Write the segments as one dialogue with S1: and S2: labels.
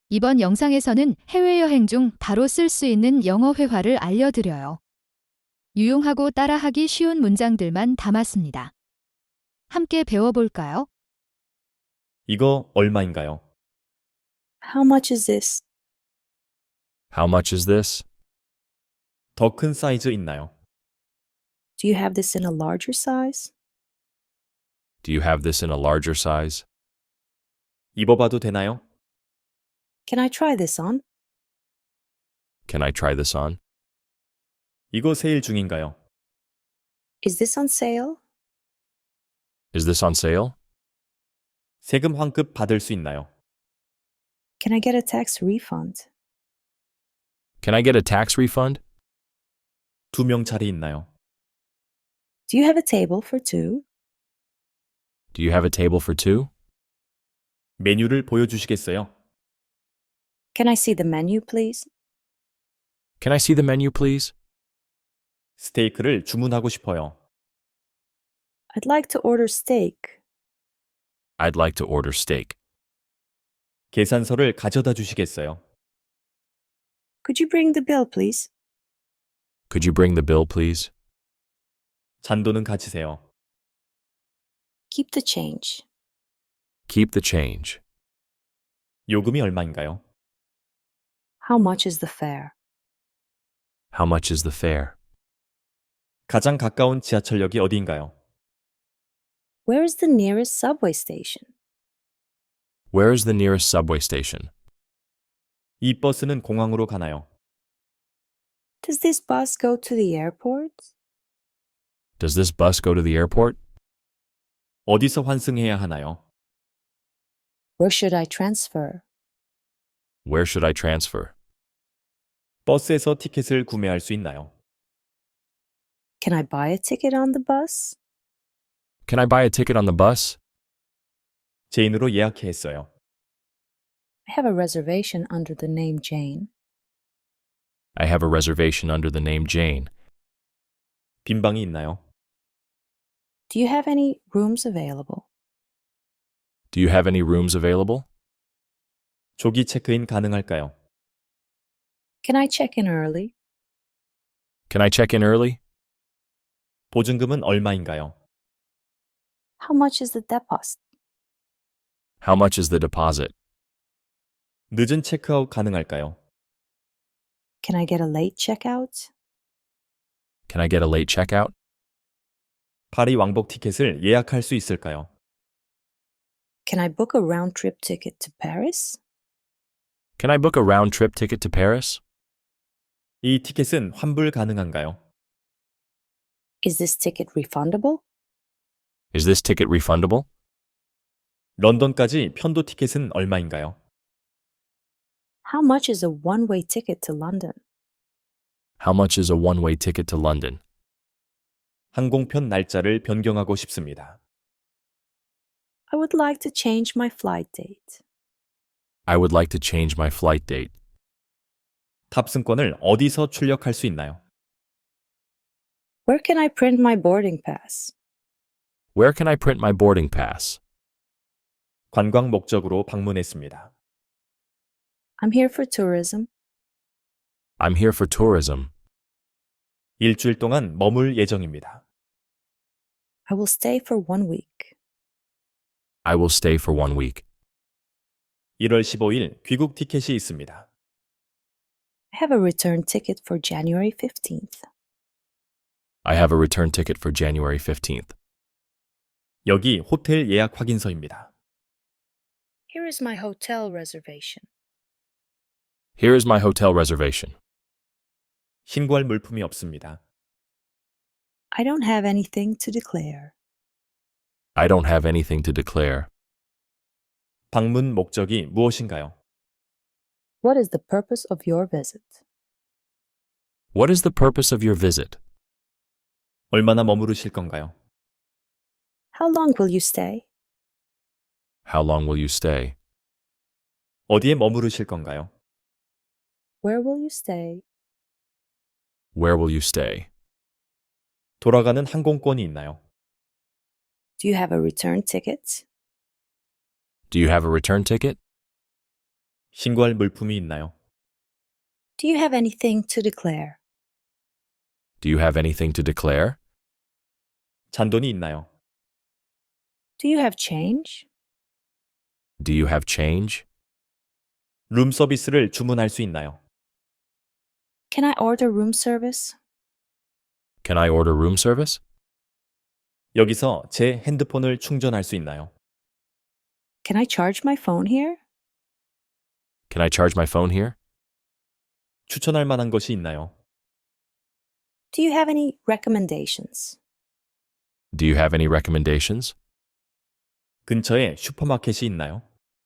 S1: 이번 영상에서는 해외여행 중 바로 쓸 수 있는 영어 회화를 알려드려요. 유용하고 따라하기 쉬운 문장들만 담았습니다. 함께 배워볼까요?
S2: 이거 얼마인가요?
S3: How much is this?
S4: How much is this?
S2: 더 큰 사이즈 있나요?
S3: Do you have this in a larger size?
S4: Do you have this in a larger size?
S2: 입어봐도 되나요?
S3: Can I try this on?
S4: Can I try this on?
S2: 이거 세일 중인가요?
S3: Is this on sale?
S4: Is this on sale?
S2: 세금 환급 받을 수 있나요?
S3: Can I get a tax refund?
S4: Can I get a tax refund?
S2: 2명 자리 있나요?
S3: Do you have a table for two?
S4: Do you have a table for two?
S2: 메뉴를 보여주시겠어요?
S3: Can I see the menu, please?
S4: Can I see the menu, please?
S2: 스테이크를 주문하고 싶어요.
S3: I'd like to order steak.
S4: I'd like to order steak.
S2: 계산서를 가져다 주시겠어요?
S3: Could you bring the bill, please?
S4: Could you bring the bill, please?
S2: 잔돈은 가지세요.
S3: Keep the change.
S4: Keep the change.
S2: 요금이 얼마인가요?
S3: How much is the fare?
S4: How much is the fare?
S2: 가장 가까운 지하철역이 어디인가요?
S3: Where is the nearest subway station?
S4: Where is the nearest subway station?
S2: 이 버스는 공항으로 가나요?
S3: Does this bus go to the airport?
S4: Does this bus go to the airport?
S2: 어디서 환승해야 하나요?
S3: Where should I transfer?
S4: Where should I transfer?
S2: 버스에서 티켓을 구매할 수 있나요?
S3: Can I buy a ticket on the bus?
S4: Can I buy a ticket on the bus?
S2: 제인으로 예약해 했어요.
S3: I have a reservation under the name Jane.
S4: I have a reservation under the name Jane.
S2: 빈 방이 있나요?
S3: Do you have any rooms available?
S4: Do you have any rooms available?
S2: 조기 체크인 가능할까요?
S3: Can I check in early?
S4: Can I check in early?
S2: 보증금은 얼마인가요?
S3: How much is the deposit?
S4: How much is the deposit?
S2: 늦은 체크아웃 가능할까요?
S3: Can I get a late checkout?
S4: Can I get a late checkout?
S2: 파리 왕복 티켓을 예약할 수 있을까요?
S3: Can I book a round trip ticket to Paris?
S4: Can I book a round trip ticket to Paris?
S2: 이 티켓은 환불 가능한가요?
S3: Is this ticket refundable?
S4: Is this ticket refundable?
S2: 런던까지 편도 티켓은 얼마인가요?
S3: How much is a one-way ticket to London?
S4: How much is a one-way ticket to London?
S2: 항공편 날짜를 변경하고 싶습니다.
S3: I would like to change my flight date.
S4: I would like to change my flight date.
S2: 탑승권을 어디서 출력할 수 있나요?
S3: Where can I print my boarding pass?
S4: Where can I print my boarding pass?
S2: 관광 목적으로 방문했습니다.
S3: I'm here for tourism.
S4: I'm here for tourism.
S2: 일주일 동안 머물 예정입니다.
S3: I will stay for 1 week.
S4: I will stay for 1 week.
S2: 1월 15일 귀국 티켓이 있습니다.
S3: I have a return ticket for January 15th.
S4: I have a return ticket for January 15th.
S2: 여기 호텔 예약 확인서입니다.
S3: Here is my hotel reservation.
S4: Here is my hotel reservation.
S2: 신고할 물품이 없습니다.
S3: I don't have anything to declare.
S4: I don't have anything to declare.
S2: 방문 목적이 무엇인가요?
S3: What is the purpose of your visit?
S4: What is the purpose of your visit?
S2: 얼마나 머무르실 건가요?
S3: How long will you stay?
S4: How long will you stay?
S2: 어디에 머무르실 건가요?
S3: Where will you stay?
S4: Where will you stay?
S2: 돌아가는 항공권이 있나요?
S3: Do you have a return ticket?
S4: Do you have a return ticket?
S2: 신고할 물품이 있나요?
S3: Do you have anything to declare?
S4: Do you have anything to declare?
S2: 잔돈이 있나요?
S3: Do you have change?
S4: Do you have change?
S2: 룸 서비스를 주문할 수 있나요?
S3: Can I order room service?
S4: Can I order room service?
S2: 여기서 제 핸드폰을 충전할 수 있나요?
S3: Can I charge my phone here?
S4: Can I charge my phone here?
S2: 추천할 만한 것이 있나요?
S3: Do you have any recommendations?
S4: Do you have any recommendations?
S2: 근처에 슈퍼마켓이 있나요?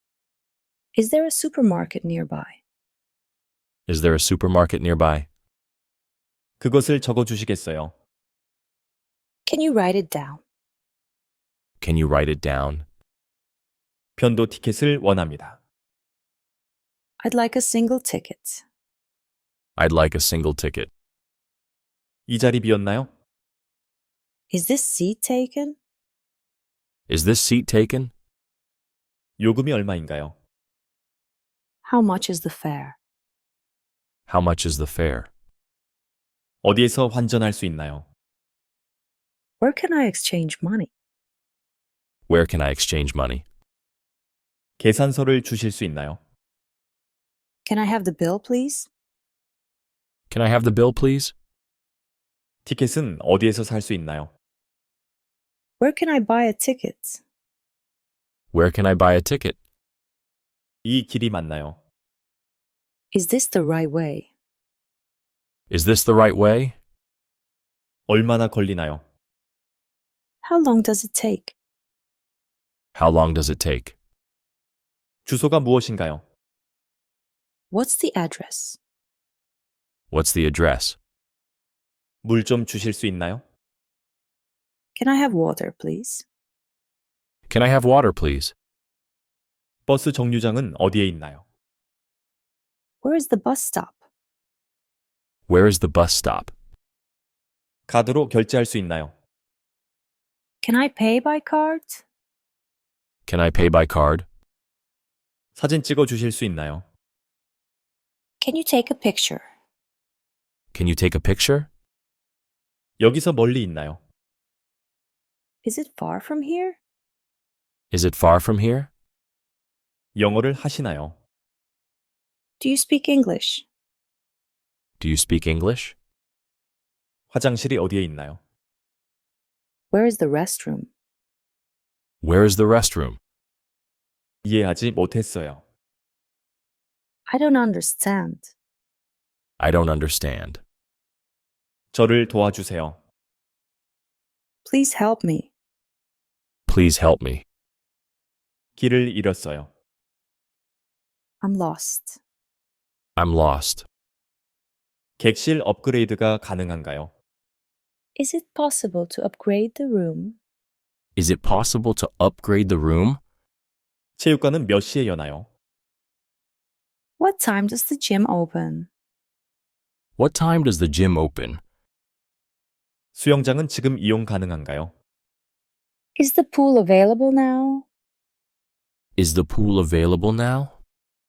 S3: Is there a supermarket nearby?
S4: Is there a supermarket nearby?
S2: 그것을 적어 주시겠어요?
S3: Can you write it down?
S4: Can you write it down?
S2: 편도 티켓을 원합니다.
S3: I'd like a single ticket.
S4: I'd like a single ticket.
S2: 이 자리 비었나요?
S3: Is this seat taken?
S4: Is this seat taken?
S2: 요금이 얼마인가요?
S3: How much is the fare?
S4: How much is the fare?
S2: 어디에서 환전할 수 있나요?
S3: Where can I exchange money?
S4: Where can I exchange money?
S2: 계산서를 주실 수 있나요?
S3: Can I have the bill, please?
S4: Can I have the bill, please?
S2: 티켓은 어디에서 살 수 있나요?
S3: Where can I buy a ticket?
S4: Where can I buy a ticket?
S2: 이 길이 맞나요?
S3: Is this the right way?
S4: Is this the right way?
S2: 얼마나 걸리나요?
S3: How long does it take?
S4: How long does it take?
S2: 주소가 무엇인가요?
S3: What's the address?
S4: What's the address?
S2: 물 좀 주실 수 있나요?
S3: Can I have water, please?
S4: Can I have water, please?
S2: 버스 정류장은 어디에 있나요?
S3: Where is the bus stop?
S4: Where is the bus stop?
S2: 카드로 결제할 수 있나요?
S3: Can I pay by card?
S4: Can I pay by card?
S2: 사진 찍어 주실 수 있나요?
S3: Can you take a picture?
S4: Can you take a picture?
S2: 여기서 멀리 있나요?
S3: Is it far from here?
S4: Is it far from here?
S2: 영어를 하시나요?
S3: Do you speak English?
S4: Do you speak English?
S2: 화장실이 어디에 있나요?
S3: Where is the restroom?
S4: Where is the restroom?
S2: 이해하지 못했어요.
S3: I don't understand.
S4: I don't understand.
S2: 저를 도와주세요.
S3: Please help me.
S4: Please help me.
S2: 길을 잃었어요.
S3: I'm lost.
S4: I'm lost.
S2: 객실 업그레이드가 가능한가요?
S3: Is it possible to upgrade the room?
S4: Is it possible to upgrade the room?
S2: 체육관은 몇 시에 여나요?
S3: What time does the gym open?
S4: What time does the gym open?
S2: 수영장은 지금 이용 가능한가요?
S3: Is the pool available now?
S4: Is the pool available now?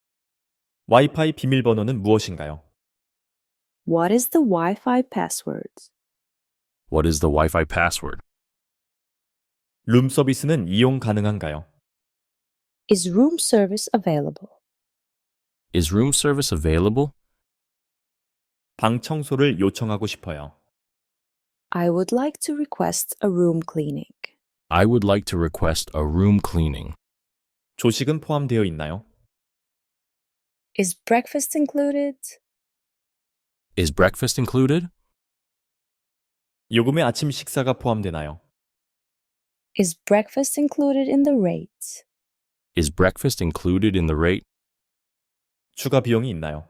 S2: 와이파이 비밀번호는 무엇인가요?
S3: What is the Wi-Fi password?
S4: What is the Wi-Fi password?
S2: 룸 서비스는 이용 가능한가요?
S3: Is room service available?
S4: Is room service available?
S2: 방 청소를 요청하고 싶어요.
S3: I would like to request a room cleaning.
S4: I would like to request a room cleaning.
S2: 조식은 포함되어 있나요?
S3: Is breakfast included?
S4: Is breakfast included?
S2: 요금에 아침 식사가 포함되나요?
S3: Is breakfast included in the rate?
S4: Is breakfast included in the rate?
S2: 추가 비용이 있나요?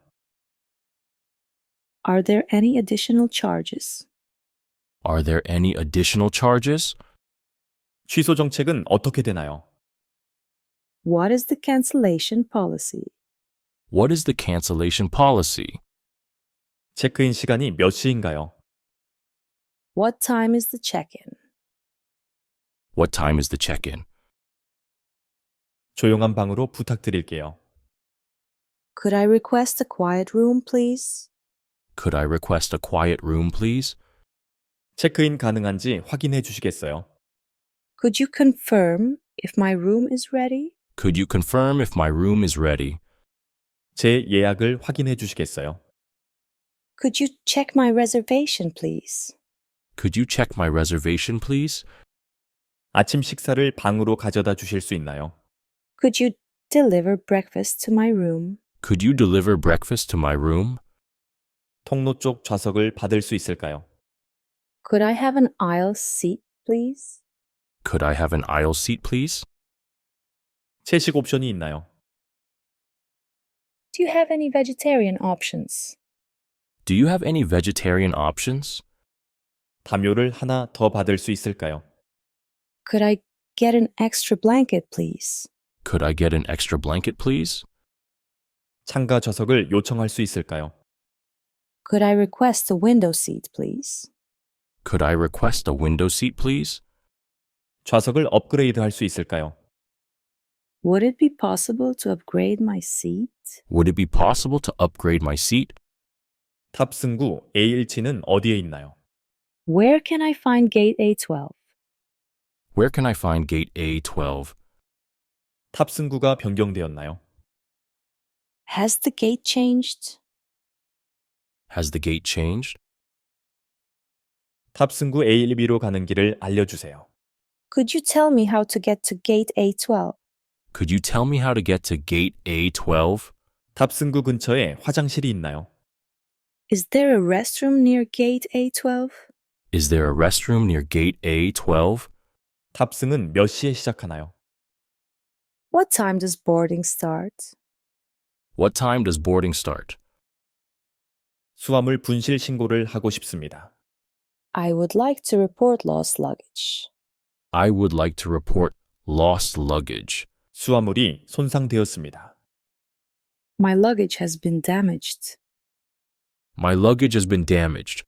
S3: Are there any additional charges?
S4: Are there any additional charges?
S2: 취소 정책은 어떻게 되나요?
S3: What is the cancellation policy?
S4: What is the cancellation policy?
S2: 체크인 시간이 몇 시인가요?
S3: What time is the check-in?
S4: What time is the check-in?
S2: 조용한 방으로 부탁드릴게요.
S3: Could I request a quiet room, please?
S4: Could I request a quiet room, please?
S2: 체크인 가능한지 확인해 주시겠어요?
S3: Could you confirm if my room is ready?
S4: Could you confirm if my room is ready?
S2: 제 예약을 확인해 주시겠어요?
S3: Could you check my reservation, please?
S4: Could you check my reservation, please?
S2: 아침 식사를 방으로 가져다 주실 수 있나요?
S3: Could you deliver breakfast to my room?
S4: Could you deliver breakfast to my room?
S2: 통로 쪽 좌석을 받을 수 있을까요?
S3: Could I have an aisle seat, please?
S4: Could I have an aisle seat, please?
S2: 채식 옵션이 있나요?
S3: Do you have any vegetarian options?
S4: Do you have any vegetarian options?
S2: 담요를 하나 더 받을 수 있을까요?
S3: Could I get an extra blanket, please?
S4: Could I get an extra blanket, please?
S2: 창가 좌석을 요청할 수 있을까요?
S3: Could I request a window seat, please?
S4: Could I request a window seat, please?
S2: 좌석을 업그레이드 할 수 있을까요?
S3: Would it be possible to upgrade my seat?
S4: Would it be possible to upgrade my seat?
S2: 탑승구 A1치는 어디에 있나요?
S3: Where can I find gate A12?
S4: Where can I find gate A12?
S2: 탑승구가 변경되었나요?
S3: Has the gate changed?
S4: Has the gate changed?
S2: 탑승구 A1B로 가는 길을 알려주세요.
S3: Could you tell me how to get to gate A12?
S4: Could you tell me how to get to gate A12?
S2: 탑승구 근처에 화장실이 있나요?
S3: Is there a restroom near gate A12?
S4: Is there a restroom near gate A12?
S2: 탑승은 몇 시에 시작하나요?
S3: What time does boarding start?
S4: What time does boarding start?
S2: 수화물 분실 신고를 하고 싶습니다.
S3: I would like to report lost luggage.
S4: I would like to report lost luggage.
S2: 수화물이 손상되었습니다.
S3: My luggage has been damaged.
S4: My luggage has been damaged.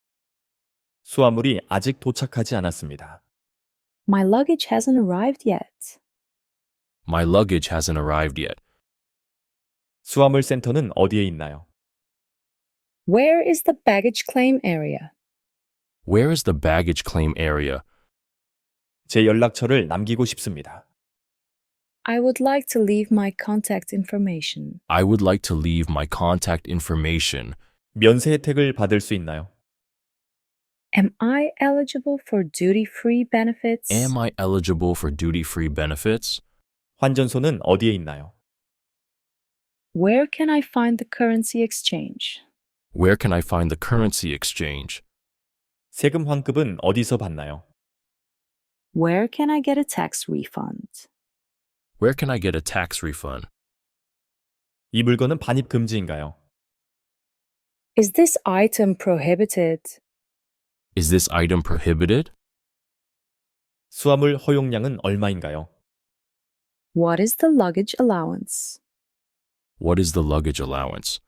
S2: 수화물이 아직 도착하지 않았습니다.
S3: My luggage hasn't arrived yet.
S4: My luggage hasn't arrived yet.
S2: 수화물 센터는 어디에 있나요?
S3: Where is the baggage claim area?
S4: Where is the baggage claim area?
S2: 제 연락처를 남기고 싶습니다.
S3: I would like to leave my contact information.
S4: I would like to leave my contact information.
S2: 면세 혜택을 받을 수 있나요?
S3: Am I eligible for duty-free benefits?
S4: Am I eligible for duty-free benefits?
S2: 환전소는 어디에 있나요?
S3: Where can I find the currency exchange?
S4: Where can I find the currency exchange?
S2: 세금 환급은 어디서 받나요?
S3: Where can I get a tax refund?
S4: Where can I get a tax refund?
S2: 이 물건은 반입 금지인가요?
S3: Is this item prohibited?
S4: Is this item prohibited?
S2: 수화물 허용량은 얼마인가요?
S3: What is the luggage allowance?
S4: What is the luggage allowance?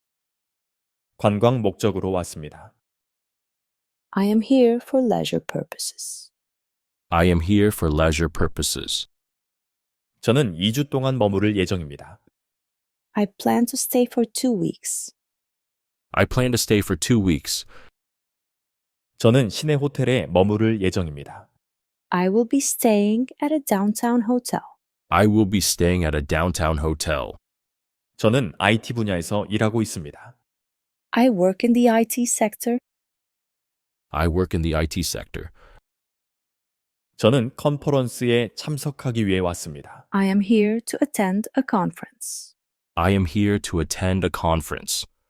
S2: 관광 목적으로 왔습니다.
S3: I am here for leisure purposes.
S4: I am here for leisure purposes.
S2: 저는 2주 동안 머무를 예정입니다.
S3: I plan to stay for 2 weeks.
S4: I plan to stay for 2 weeks.
S2: 저는 시내 호텔에 머무를 예정입니다.
S3: I will be staying at a downtown hotel.
S4: I will be staying at a downtown hotel.
S2: 저는 IT 분야에서 일하고 있습니다.
S3: I work in the IT sector.
S4: I work in the IT sector.
S2: 저는 컨퍼런스에 참석하기 위해 왔습니다.
S3: I am here to attend a conference.
S4: I am here to attend a conference.